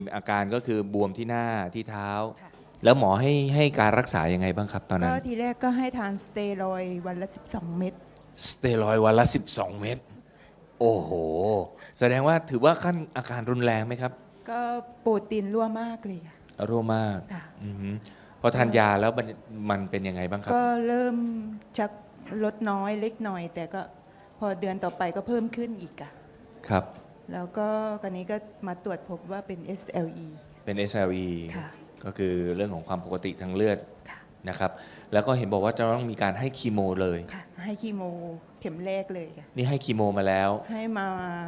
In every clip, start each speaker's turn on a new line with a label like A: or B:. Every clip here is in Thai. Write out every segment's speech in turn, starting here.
A: อาการก็คือบวมที่หน้าที่เท้า
B: ค่ะ
A: แล้วหมอให้การรักษายังไงบ้างครับตอนนั้
B: ก็
A: น
B: ทีแรกก็ให้ทานสเตียรอยด์วันละ 12 เม็ด
A: สเตียรอยด์วันละ 12 เม็ดโอ้โห แสดงว่าถือว่าขั้นอาการรุนแรงไหมครับ
B: ก็โปรตีนรั่วมากเลยค่ะ
A: รั่วมาก
B: ค่ะ
A: อือฮึพอทานยาแล้วมันเป็นยังไงบ้างครับ
B: ก็เริ่มชักลดน้อยเล็กหน่อย แต่ก็พอเดือนต่อไปก็เพิ่มขึ้นอีกอะ
A: ครับ
B: แล้วก็กันนี้ก็มาตรวจพบว่าเป็น SLE
A: เป็น SLE
B: ค่ะ
A: ก็คือเรื่องของความปกติทางเลือด
B: ค่ะ
A: นะครับ แล้วก็เห็นบอกว่าจะต้องมีการให้คีโมเลย
B: ค่ะ ให้คีโมเข็มแรกเลยค่ะ
A: นี่ให้คีโมมาแล้ว
B: ให้มา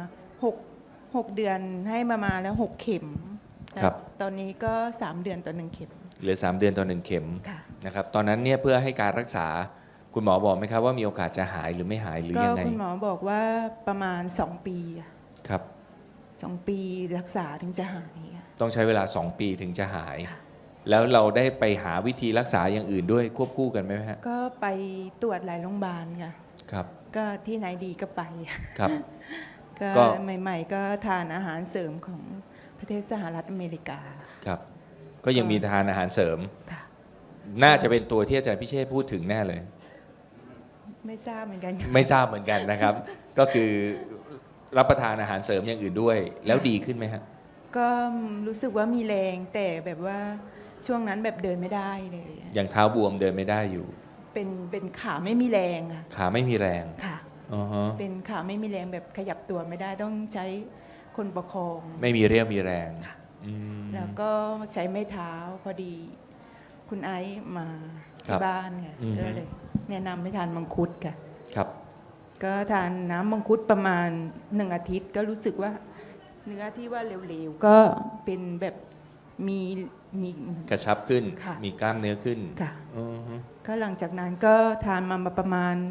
B: 6 เดือนให้มาแล้ว 6 เข็ม
A: ครับ
B: ตอนนี้ก็ 3 เดือนต่อ 1 เข็ม
A: เหลือ 3 เดือนต่อ 1 เข็ม
B: ค่ะ
A: นะครับตอนนั้นเนี่ยเพื่อให้การรักษาคุณหมอบอกไหมครับว่ามีโอกาสจะหายหรือไม่หายหรือ
B: ก็
A: ยังไง
B: คุณหมอบอกว่าประมาณ 2 ปีอะ
A: ครับ
B: 2 ปีรักษาถึงจะหายอะ
A: ต้องใช้เวลา 2 ปีถึงจะหาย
B: ค่ะ
A: แล้วเราได้ไปหาวิธีรักษาอย่างอื่นด้วยควบคู่กันไหมฮะ
B: ก็ไปตรวจหลายโรงพยาบาลค่ะ
A: ครับ
B: ก็ที่ไหนดีก็ไป
A: ครับ
B: ก็
A: ก็
B: ใหม่ๆก็ทานอาหารเสริมของประเทศสหรัฐอเมริกา
A: ครับ ก็ยังมีทานอาหารเสริม
B: ค่ะ
A: น่าจะเป็นตัวที่อาจารย์พิเชษฐ์พูดถึงแน่เลย
B: ไม่ทราบเหมือนกัน
A: ไม่ทราบเหมือนกันนะครับ ก็คือรับประทานอาหารเสริมอย่างอื่นด้วย แล้วดีขึ้นไหมฮะ
B: ก็รู้สึกว่ามีแรงแต่แบบว่าช่วงนั้นแบบเดินไม่ได้เลย
A: อย่างเท้าบวมเดินไม่ได้อยู่
B: เป็นขาไม่มีแรงอะ
A: ขาไม่มีแรง
B: ค่ะ
A: อือฮะ
B: เป็นขาไม่มีแรงแบบขยับตัวไม่ได้ต้องใช้คนประคอง
A: ไม่มีเรี่ยวมีแรง
B: ค่ะ
A: อืม
B: แล้วก็ใช้ไม้เท้าพอดี คุณไอซ์มา
A: ครั
B: ที่
A: บ
B: บ้านค่ะก็เลยแนะนำให้ทานมังคุดค่ะ
A: ครับ
B: ก็ทานน้ำมังคุดประมาณ1 อาทิตย์ ก็รู้สึกว่าเนื้อที่ว่าเหลวๆก็เป็นแบบมีมี
A: กระชับขึ้น
B: ค่ะ
A: มีกล้ามเนื้อขึ้น
B: ค่ะ
A: อือฮึ
B: ก็หลังจากนั้นก็ทานมาประมาณ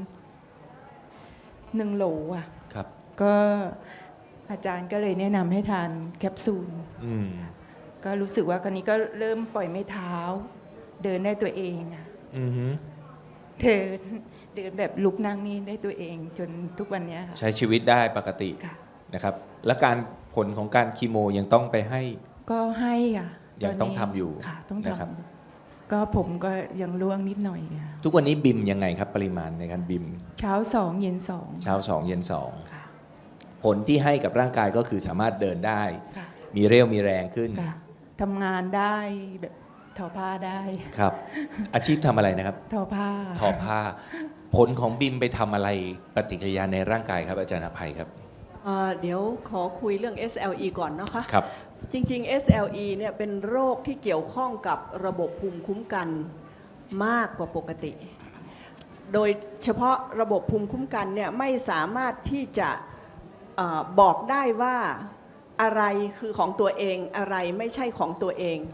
B: 1 โหลอ่ะ
A: ครับ
B: ก็อาจารย์ก็เลยแนะนำให้ทานแคปซูล
A: อืม
B: ก็รู้สึกว่าคราวนี้ก็เริ่มปล่อยไม้เท้า เดินได้ตัวเองอะ
A: อือฮึ
B: เดินแบบลุกนั่งนี่ได้ตัวเองจนทุกวันเนี้ยค่ะ
A: ใช้ชีวิตได้ปกติ
B: ค่ะ
A: นะครับ และการผลของการคีโมยังต้องไปให้
B: ก็ให้ค่ะ
A: ยังต้องทำอยู่
B: ค่ะ ต้อง
A: นะครับ
B: ทำก็ผมก็ยังร่วงนิดหน่อยค่ะ
A: ทุกวันนี้บิมยังไงครับปริมาณในการบิม
B: เช้า 2 เย็น 2
A: เช้า 2 เย็น
B: ค่ะ
A: 2 ผลที่ให้กับร่างกายก็คือสามารถเดินได้
B: ค่ะ
A: มีเรี่ยวมีแรงขึ้น
B: ค่ะทำงานได้แบบทอผ้าได้
A: ครับ อาชีพทำอะไรนะครับ
B: ทอผ้า
A: ทอผ้า ผลของบิมไปทำอะไรปฏิกิริยาในร่างกายครับอาจารย์อภัยครับ
C: เดี๋ยวขอคุยเรื่อง SLE ก่อนนะคะ
A: ครับ
C: จริงๆ SLE เนี่ยเป็นโรคที่เกี่ยวข้องกับระบบภูมิคุ้มกันมากกว่าปกติ โดยเฉพาะระบบภูมิคุ้มกันเนี่ยไม่สามารถที่จะบอกได้ว่าอะไรคือของตัวเองอะไรไม่ใช่ของตัวเอง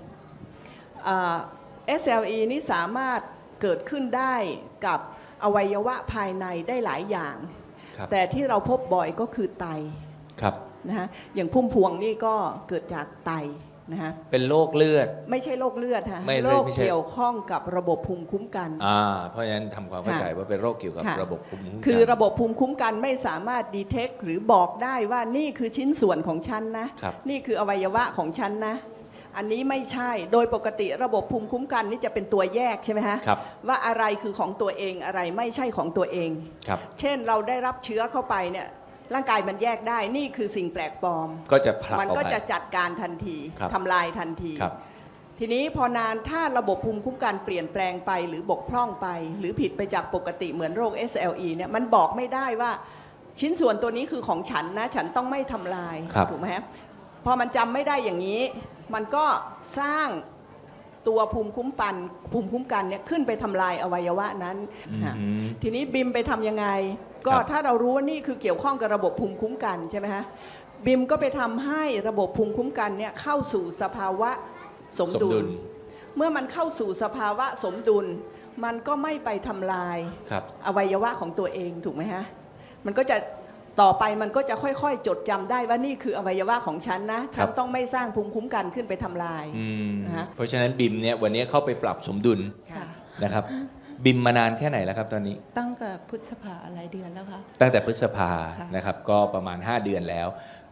C: SLE นี้สามารถเกิดขึ้นได้กับอวัยวะภายในได้หลายอย่าง
A: ครับ
C: แต่ที่เราพบบ่อยก็คือไต
A: ครับ
C: นะฮะอย่างพุ่มพวงนี่ก็เกิดจากไตนะฮะ
A: เป็นโรคเลือด
C: ไม่ใช่โรคเลือดฮะ
A: ไม่
C: โรค
A: ไม่ใช่
C: เกี่ยวข้องกับระบบภูมิคุ้มกัน
A: เพราะฉะนั้นทำความเข้าใจว่าเป็นโรคเกี่ยวกับ
C: ค่ะ
A: ระบบภูมิคุ้มกัน
C: คือระบบภูมิคุ้มกันไม่สามารถดีเทคหรือบอกได้ว่านี่คือชิ้นส่วนของฉันนะครับ นี่คืออวัยวะของฉันนะอันนี้ไม่ใช่โดยปกติระบบภูมิคุ้มกันนี่จะเป็นตัวแยกใช่ไหมฮะ
A: ครับ
C: ว่าอะไรคือของตัวเองอะไรไม่ใช่ของตัวเอง
A: ครับ
C: เช่นเราได้รับเชื้อเข้าไปเนี่ยร่างกายมันแยกได้นี่คือสิ่งแปลกปลอม
A: ก็จะผลัก
C: มัน
A: ออก
C: ก็
A: ไป
C: จะจัดการทันที
A: ครับ
C: ทำลายทันที
A: ครับ
C: ทีนี้พอนานถ้าระบบภูมิคุ้มกันเปลี่ยนแปลงไปหรือบกพร่องไป หรือผิดไปจากปกติเหมือนโรค SLE เนี่ยมันบอกไม่ได้ว่าชิ้นส่วนตัวนี้คือของฉันนะฉันต้องไม่ทำลาย
A: ครับ
C: ถูกไหมฮะพอมันจำไม่ได้อย่างนี้ มันก็สร้างตัวภูมิคุ้มกันเนี่ยขึ้นไปทำลายอวัยวะนั้น
A: อื
C: ฮะ
A: ม
C: ทีนี้บิมไปทำยังไง ก็
A: ครับ
C: ถ้าเรารู้ว่านี่คือเกี่ยวข้องกับระบบภูมิคุ้มกันใช่ไหมฮะบิมก็ไปทำให้ระบบภูมิคุ้มกันเนี่ยเข้าสู่สภาวะสมดุล เมื่อมันเข้าสู่สภาวะสมดุล มันก็ไม่ไปทำลาย
A: ครับ
C: อวัยวะของตัวเองถูกไหมฮะมันก็จะต่อไปมันก็จะค่อยๆ จดจำได้ว่านี่คืออวัยวะของฉันนะฉันต้องไม่สร้างภูมิคุ้มกันขึ้นไปทำลาย
A: อืม
C: นะฮะ
A: เพราะฉะนั้นบิมเนี่ยวันนี้เข้าไปปรับสมดุล
B: ค่ะ
A: นะครับ บิมมานานแค่ไหนแล้วครับตอนนี้
B: ตั้งแต่พฤษภาหลายเดือนแล้วค่ะ
A: ตั้งแต่พฤษภา
B: ค่ะ
A: นะครับ ก็ประมาณ 5 เดือนแล้ว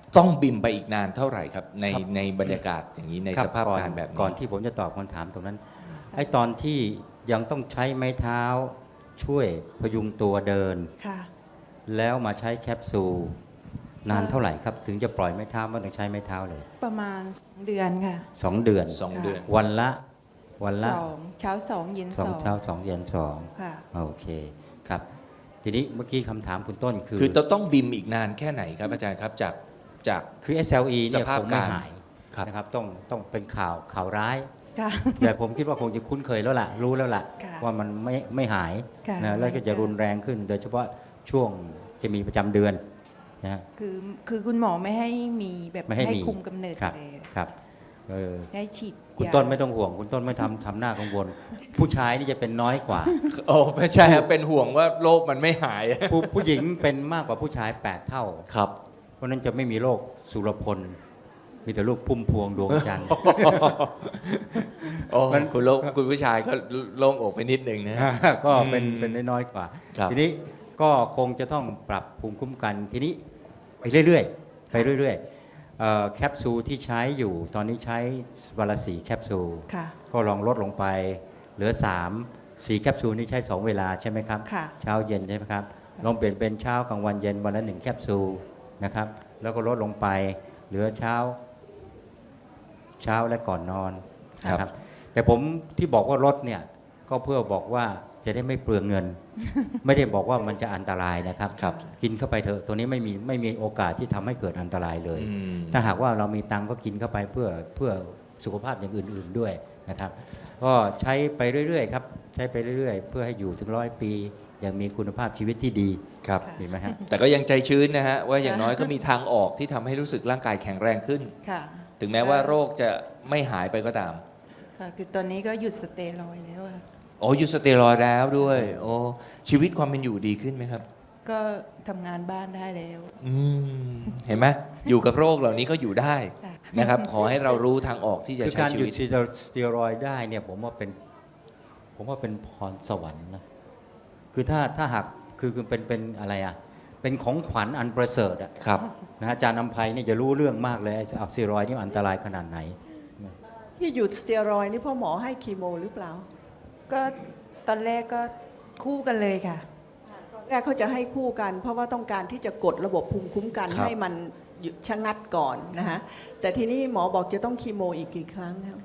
A: ต้องบิมไปอีกนานเท่าไหร่ครับใน
D: ครับ
A: ในบรรยากาศอย่างนี้ใน
D: ค
A: สภาพ
D: ก่อน
A: การแบบนี้
D: ก่อนที่ผมจะตอบคำถามตรงนั้นไอ้ตอนที่ยังต้องใช้ไม้เท้าช่วยพยุงตัวเดิน
B: ค่ะ
D: แล้วมาใช้แคปซูลนานเท่าไหร่ครับ ถึงจะปล่อยไม้เท้าไม่ต้องใช้ไม้เท้าเลย
B: ประมาณ2 เดือนค่ะ
D: 2 เดือน
A: 2 เดือน
D: วันละ
B: 2 เช้า 2 เย็น
D: สอง
B: 2
D: เช้า2 เย็น
B: ค่ะ
D: 2โอเคครับ ทีนี้เมื่อกี้คำถามคุณต้นคือ
A: คือเราต้องบิมอีกนานแค่ไหนครับอาจารย์ครับจาก
D: คือ SLE เนี่ย
A: สภาพ
D: คงไม่
A: การ
D: หาย
A: ครับ
D: นะครับต้องเป็นข่าวร้าย
B: ค่ะ
D: แต่ผมคิดว่าคงจะคุ้นเคยแล้วล่ะรู้แล้วล่ะ
B: ค่ะ
D: ว่ามันไม่หาย
B: ค่ะ
D: นะแล้วก็จะรุนแรงขึ้น โดยเฉพาะช่วงจะมีประจำเดือนนะฮะ
B: คือคุณหมอไม่ให้มีแบบ
D: ไม่ให้มี
B: คุมกำเนิด
D: ครับ
B: เลย
D: ครับเออ
B: ให้ฉีด
D: คุณ
B: ยา
D: ต้นไม่ต้องห่วง คุณต้นไม่ทำหน้ากังวล ผู้ชายนี่จะเป็นน้อยกว่า
A: โอ้ไม่ใช่ครับเป็นห่วงว่าโรคมันไม่หาย
D: ผู้หญิงเป็นมากกว่าผู้ชาย 8 เท่า
A: ครับ
D: เพราะฉะนั้นจะไม่มีโรคสุรพล มีแต่ลูกพุ่มพวงดวงจันทร์
A: โอ้คุณผู้ชายก็โล่งอกไปนิดนึงนะ
D: ก็เป็นน้อยๆกว่า
A: ครับ
D: ทีนี้ก็คงจะต้องปรับภูมิคุ้มกันทีนี้ไปเรื่อยๆแคปซูลที่ใช้อยู่ตอนนี้ใช้วันละ4 แคปซูล
B: ค่ะ
D: ก็ลองลดลงไปเหลือ 4 แคปซูลนี่ใช้ 2 เวลาใช่ไหมครับ
B: ค่ะ
D: เช้าเย็นใช่ไหมครับลองเปลี่ยนเป็นเช้ากลางวันเย็นวันละ1 แคปซูลนะครับแล้วก็ลดลงไปเหลือเช้าและก่อนนอนนะครับแต่ผมที่บอกว่าลดเนี่ยก็เพื่อบอกว่าจะได้ไม่เปลืองเงิน ไม่ได้บอกว่ามันจะอันตรายนะครับ
A: ครับ
D: กินเข้าไปเถอะตัวนี้ไม่มีโอกาสที่ทำให้เกิดอันตรายเลย
A: อืม
D: ถ้าหากว่าเรามีตังค์ก็กินเข้าไปเพื่อสุขภาพอย่างอื่น ๆด้วยนะครับ ก็ใช้ไปเรื่อยๆครับใช้ไปเรื่อยๆ เพื่อให้อยู่ถึง100 ปีอย่างมีคุณภาพชีวิตที่ดี
A: ครับ
D: ดีไหมฮะ
A: แต่ก็ยังใจชื้นนะฮะว่าอย่างน้อยก็มีทางออกที่ทำให้รู้สึกร่างกายแข็งแรงขึ้น
B: ค่ะ
A: ถึงแม้ว่าโรคจะไม่หายไปก็ตาม
B: ค่ะคือตอนนี้ก็หยุดสเตียรอยด์แล้วค่ะ
A: โอ้หยุดสเตียรอยด์แล้วด้วย โอ้ชีวิตความเป็นอยู่ดีขึ้นไหมครับ
B: ก็ทำงานบ้านได้แล้ว
A: อืมเห็นไหมอยู่กับโรคเหล่านี้ก็อยู่ได้
B: ค่ะ
A: นะครับ ขอให้เรารู้ทางออกที่จะ
D: คือ
A: ใช้
D: การ
A: ชี
D: หยุ
A: วิ
D: ด
A: ต
D: สเตียรอยด์ได้เนี่ยผมว่าเป็นพรสวรรค์นะคือถ้าหากคือเป็นอะไรอ่ะเป็นของขวัญอันประเสริฐอ่ะ
A: ครับ
D: นะอาจารย์นำไพนี่จะรู้เรื่องมากเลยไอ้สเตียรอยด์นี่มันอันตรายขนาดไหน
C: ที่หยุดสเตียรอยด์นี่เพ่อหมอให้คีโมหรือเปล่า
B: ก็ตอนแรกก็คู่กันเลยค่ะ
C: แรกเขาจะให้คู่กัน เพราะว่าต้องการที่จะกดระบบภูมิคุ้มกัน
A: ครับ
C: ให้มันหยุดชะงัดก่อนนะฮะแต่ทีนี้หมอบอกจะต้องคีโมอีกกี่ครั้งครับ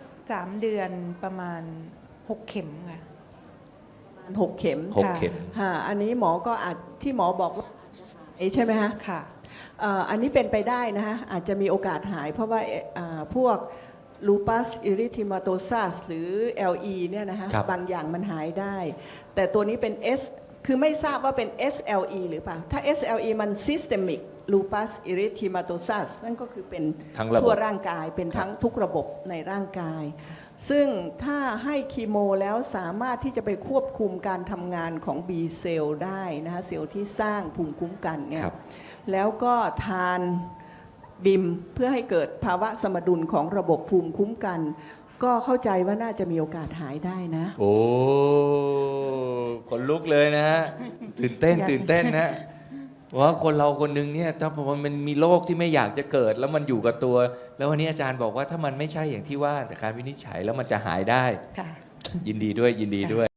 B: 3 เดือนประมาณ 6 เข็มค่ะ
C: ประมาณ6 เข็ม
A: หกเข็ม
C: ฮะอันนี้หมอก็อาจที่หมอบอกว่าใช่ไหมฮะ
B: ค่ะ
C: อันนี้เป็นไปได้นะฮะอาจจะมีโอกาสหาย เพราะว่าพวก lupus erythematosus หรือ LE เนี่ยนะฮะ
A: ครับ
C: บางอย่างมันหายได้ แต่ตัวนี้เป็น S คือไม่ทราบว่าเป็น SLE หรือเปล่า ถ้า SLE มัน systemic lupus erythematosus นั่นก็คือเป็น
A: ทั้งระบบ
C: ทั่วร่างกายเป็นทั้งทุกระบบในร่างกาย ซึ่งถ้าให้คีโมแล้วสามารถที่จะไปควบคุมการทำงานของ B เซลล์ได้นะฮะเซลล์ที่สร้างภูมิคุ้มกันเนี่ย
A: ครับ
C: แล้วก็ทานบิมเพื่อให้เกิดภาวะสมดุลของระบบภูมิคุ้มกัน ก็เข้าใจว่าน่าจะมีโอกาสหายได้นะ
A: โอ้ขนลุกเลยนะฮะ ตื่นเต้นตื่นเต้นนะว่าคนเราคนหนึงเนี่ยถ้ามันมีโรคที่ไม่อยากจะเกิด แล้วมันอยู่กับตัว แล้ววันนี้อาจารย์บอกว่าถ้ามันไม่ใช่อย่างที่ว่าจากการวินิจฉัยแล้วมันจะหายได้
B: ค่ะ
A: ยินดีด้วยยินดีด้วย